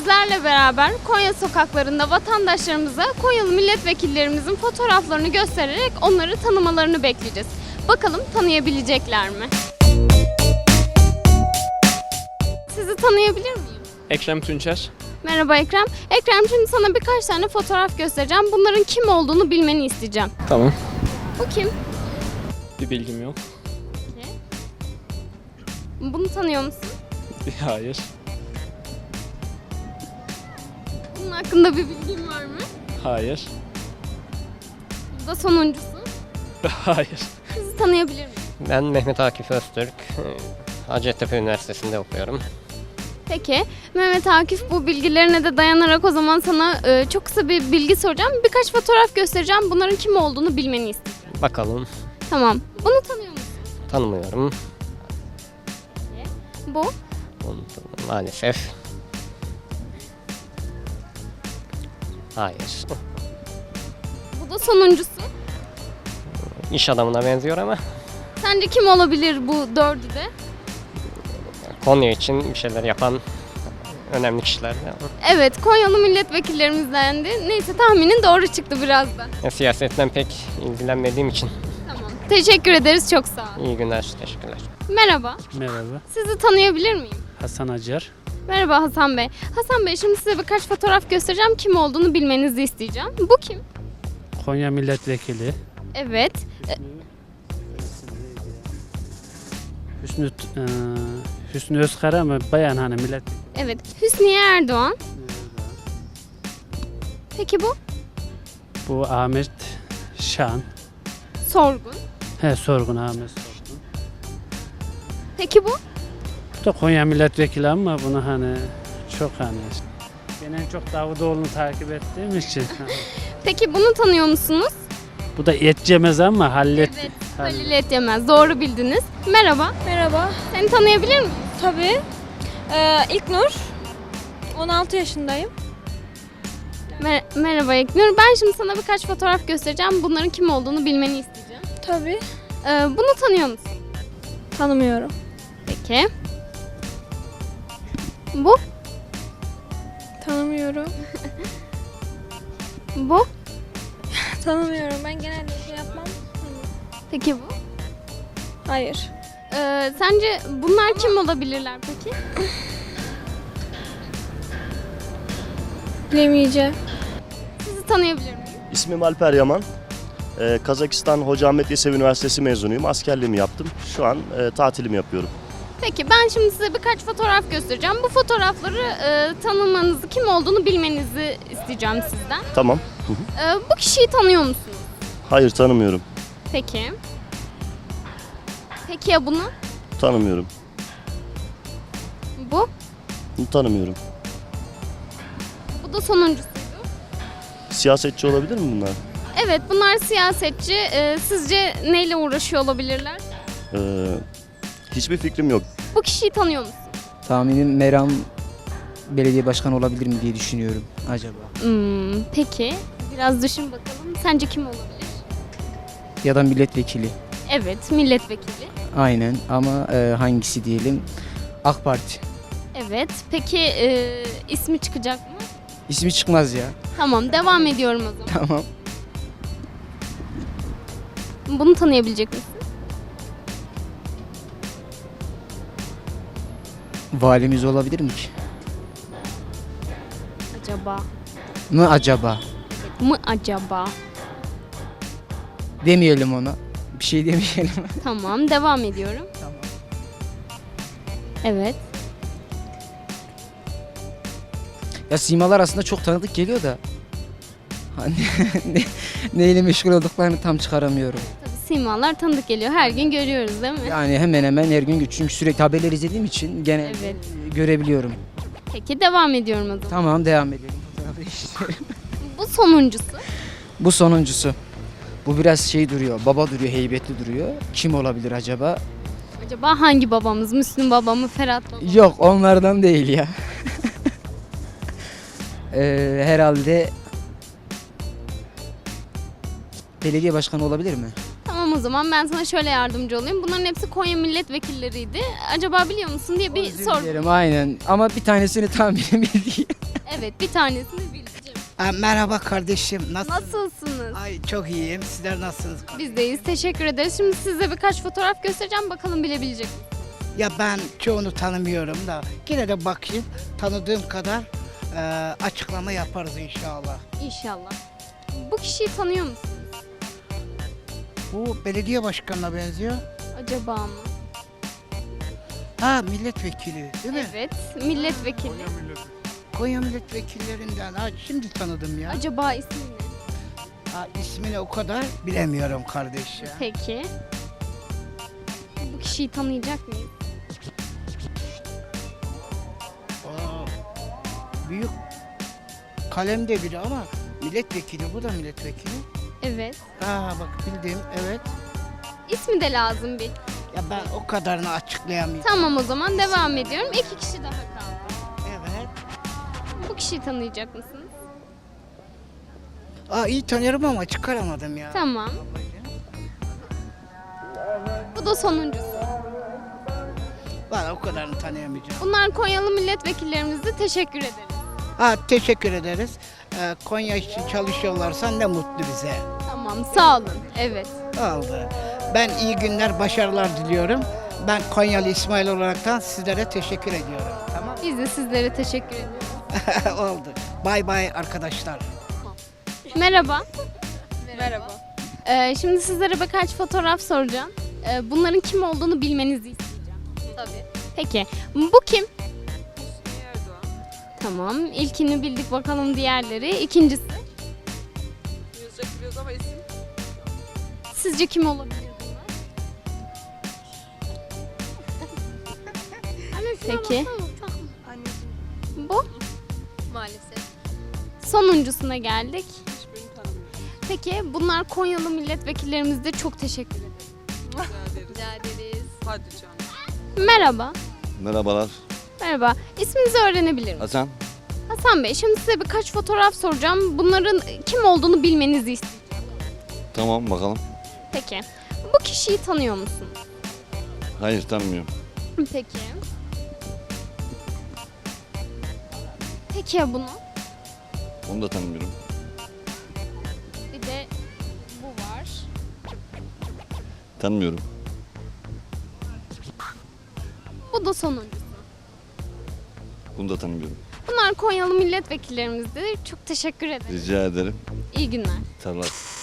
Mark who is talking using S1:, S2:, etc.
S1: sizlerle beraber Konya sokaklarında vatandaşlarımıza Konyalı milletvekillerimizin fotoğraflarını göstererek onları tanımalarını bekleyeceğiz. Bakalım tanıyabilecekler mi? Sizi tanıyabilir miyim?
S2: Ekrem Tunçer.
S1: Merhaba Ekrem. Ekrem, şimdi sana birkaç tane fotoğraf göstereceğim. Bunların kim olduğunu bilmeni isteyeceğim.
S2: Tamam.
S1: Bu kim?
S2: Bir bilgim yok.
S1: Bunu tanıyor musun?
S2: Hayır.
S1: Bunun hakkında bir bilgin var mı?
S2: Hayır.
S1: Bu da sonuncusu.
S2: Hayır.
S1: Sizi tanıyabilir miyim?
S3: Ben Mehmet Akif Öztürk. Hacettepe Üniversitesi'nde okuyorum.
S1: Peki Mehmet Akif, bu bilgilerine de dayanarak o zaman sana çok kısa bir bilgi soracağım. Birkaç fotoğraf göstereceğim. Bunların kim olduğunu bilmeni istiyorum.
S3: Bakalım,
S1: Tamam. Bunu tanıyor musun?
S3: tanımıyorum.
S1: Bu.
S3: Maalesef. Hayır.
S1: Bu da sonuncusu.
S3: İş adamına benziyor ama
S1: Sence kim olabilir bu dördü de?
S3: Konya için bir şeyler yapan önemli kişiler.
S1: Evet, Konyalı milletvekillerimizdendi. Neyse, tahminin doğru çıktı biraz da.
S3: Siyasetten pek ilgilenmediğim için.
S1: Tamam. Teşekkür ederiz. Çok sağ olun.
S3: İyi günler, teşekkürler.
S1: Merhaba.
S4: Merhaba,
S1: Sizi tanıyabilir miyim?
S4: Hasan Acar.
S1: Merhaba Hasan Bey. Hasan Bey, şimdi size birkaç fotoğraf göstereceğim. Kim olduğunu bilmenizi isteyeceğim. Bu kim?
S4: Konya Milletvekili.
S1: Evet.
S4: Hüsnü, Hüsnü Özkara mı? Bayan hani milletvekili.
S1: Evet. Hüsniye Erdoğan. Peki bu?
S4: Bu Ahmet Şan.
S1: Sorgun.
S4: Sorgun Ahmet Sorgun.
S1: Peki bu?
S4: Bu da Konya Milletvekili ama bunu hani çok hani ben en çok Davutoğlu'nu takip ettiğim için.
S1: Peki bunu tanıyor musunuz?
S4: Bu da et yemez ama hallet.
S1: Evet. Halil Etyemez. Doğru bildiniz. Merhaba.
S5: Merhaba.
S1: Seni tanıyabilir miyim?
S5: Tabii. İlknur. 16 yaşındayım.
S1: Merhaba İlknur. Ben şimdi sana birkaç fotoğraf göstereceğim. Bunların kim olduğunu bilmeni isteyeceğim.
S5: Tabii.
S1: Bunu tanıyor musun?
S5: Tanımıyorum.
S1: Peki. Bu?
S5: Tanımıyorum.
S1: Bu?
S5: Tanımıyorum. Ben genelde şey yapmam.
S1: Peki bu?
S5: Hayır.
S1: Sence bunlar kim olabilirler peki?
S5: Bilemeyeceğim.
S1: Sizi tanıyabilir miyim?
S6: İsmim Alper Yaman. Kazakistan Hoca Ahmet Yesevi Üniversitesi mezunuyum. Askerliğimi yaptım. Şu an tatilimi yapıyorum.
S1: Peki, ben şimdi size birkaç fotoğraf göstereceğim. Bu fotoğrafları tanımanızı, kim olduğunu bilmenizi isteyeceğim sizden.
S6: Tamam.
S1: Bu kişiyi tanıyor musunuz?
S6: Hayır, tanımıyorum.
S1: Peki. Peki ya bunu?
S6: Tanımıyorum.
S1: Bu?
S6: Tanımıyorum.
S1: Bu da sonuncusuydu.
S6: Siyasetçi olabilir mi bunlar?
S1: Evet, bunlar siyasetçi. Sizce neyle uğraşıyor olabilirler?
S6: Hiçbir fikrim yok.
S1: Bu kişiyi tanıyor musun?
S7: Tahminim Meram belediye başkanı olabilir mi diye düşünüyorum acaba.
S1: Peki. Biraz düşün bakalım. Sence kim olabilir?
S7: Ya da milletvekili.
S1: Evet, milletvekili.
S7: Aynen ama hangisi diyelim? AK Parti.
S1: Evet. Peki ismi çıkacak mı?
S7: İsmi çıkmaz ya.
S1: Tamam, devam ediyorum o zaman.
S7: Tamam.
S1: Bunu tanıyabilecek misin?
S7: Valimiz olabilir mi ki?
S1: Acaba?
S7: Mı acaba?
S1: Mı acaba?
S7: Demeyelim ona. Bir şey demeyelim.
S1: Tamam, devam ediyorum.
S7: Tamam.
S1: Evet.
S7: Ya simalar aslında çok tanıdık geliyor da. Hani neyle meşgul olduklarını tam çıkaramıyorum.
S1: Tabii simalar tanıdık geliyor. Her gün görüyoruz değil mi?
S7: Yani hemen hemen her gün çünkü sürekli haberler izlediğim için genelde
S1: Evet.
S7: görebiliyorum.
S1: Peki, devam ediyorum o zaman.
S7: Tamam, devam edelim. Fotoğrafı değiştirelim.
S1: Bu sonuncusu.
S7: Bu sonuncusu. Bu biraz şey duruyor, baba duruyor, heybetli duruyor. Kim olabilir acaba?
S1: Acaba hangi babamız? Müslüm baba mı? Ferhat baba mı?
S7: Yok, onlardan değil ya. Herhalde belediye başkanı olabilir mi?
S1: Tamam, o zaman ben sana şöyle yardımcı olayım. Bunların hepsi Konya milletvekilleriydi. Acaba biliyor musun diye bir
S7: Özür
S1: sor.
S7: dilerim, aynen. Ama bir tanesini tahminim bildiğim.
S1: Evet, bir tanesini bileceğim.
S8: Merhaba kardeşim. Nasılsın?
S1: Nasılsınız?
S8: Ay çok iyiyim. Sizler nasılsınız?
S1: Biz deyiz. Teşekkür ederiz. Şimdi size birkaç fotoğraf göstereceğim. Bakalım bilebilecek misiniz?
S8: Ya ben çoğunu tanımıyorum da yine de bakayım. Tanıdığım kadar açıklama yaparız inşallah.
S1: İnşallah. Bu kişiyi tanıyor musunuz?
S8: Bu belediye başkanına benziyor.
S1: Acaba mı?
S8: Ha milletvekili değil mi?
S1: Evet, milletvekili.
S8: Konya milletvekillerinden. Ha şimdi tanıdım ya.
S1: Acaba ismi ne?
S8: Ha, ismini o kadar bilemiyorum kardeş ya.
S1: Peki. Bu kişiyi tanıyacak mıyız?
S8: Aa, büyük kalemde biri ama milletvekili. Bu da milletvekili.
S1: Evet.
S8: Ha bak bildim evet.
S1: İsmi de lazım bir.
S8: Ya ben o kadarını açıklayamayacağım.
S1: Tamam, o zaman devam ediyorum. 2 kişi daha kaldı.
S8: Evet.
S1: Bu kişiyi tanıyacak mısınız?
S8: Aa iyi tanıyorum ama çıkaramadım ya.
S1: Tamam. Bu da sonuncusu.
S8: Ben o kadarını tanıyamayacağım.
S1: Bunlar Konyalı milletvekillerimize teşekkür ederiz.
S8: Ha teşekkür ederiz. Konya için çalışıyorlarsa ne mutlu bize.
S1: Tamam, sağ olun. Evet.
S8: Oldu. Ben iyi günler, başarılar diliyorum. Ben Konyalı İsmail olaraktan sizlere teşekkür ediyorum. Tamam.
S1: Biz de sizlere teşekkür ediyoruz.
S8: Oldu. Bay bay arkadaşlar.
S1: Merhaba. Merhaba. Şimdi sizlere birkaç fotoğraf soracağım. Bunların kim olduğunu bilmenizi isteyeceğim. Tabii. Peki, bu kim? Tamam, ilkini bildik, bakalım diğerleri. İkincisi?
S9: Biliyoruz ama isim.
S1: Sizce kim olabilir bunlar? Peki.
S9: Anneciğim.
S1: Bu?
S9: Maalesef.
S1: Sonuncusuna geldik.
S9: Hiçbirini tanımıyorum.
S1: Peki, bunlar Konyalı milletvekillerimize çok teşekkür ederim.
S9: Rica ederiz. Hadi canım.
S1: Merhaba.
S10: Merhabalar.
S1: Merhaba. İsminizi öğrenebilir miyim?
S10: Hasan.
S1: Hasan Bey, şimdi size birkaç fotoğraf soracağım. Bunların kim olduğunu bilmenizi isteyeceğim.
S10: Tamam bakalım.
S1: Peki. Bu kişiyi tanıyor musunuz?
S10: Hayır tanımıyorum.
S1: Peki. Peki ya bunu?
S10: Onu da tanımıyorum.
S1: Bir de bu var.
S10: Tanımıyorum.
S1: Bu da sonuncusu.
S10: Bunu da tanımıyorum.
S1: Bunlar Konyalı milletvekillerimize çok teşekkür ederim.
S10: Rica ederim.
S1: İyi günler.
S10: Sağ olasın.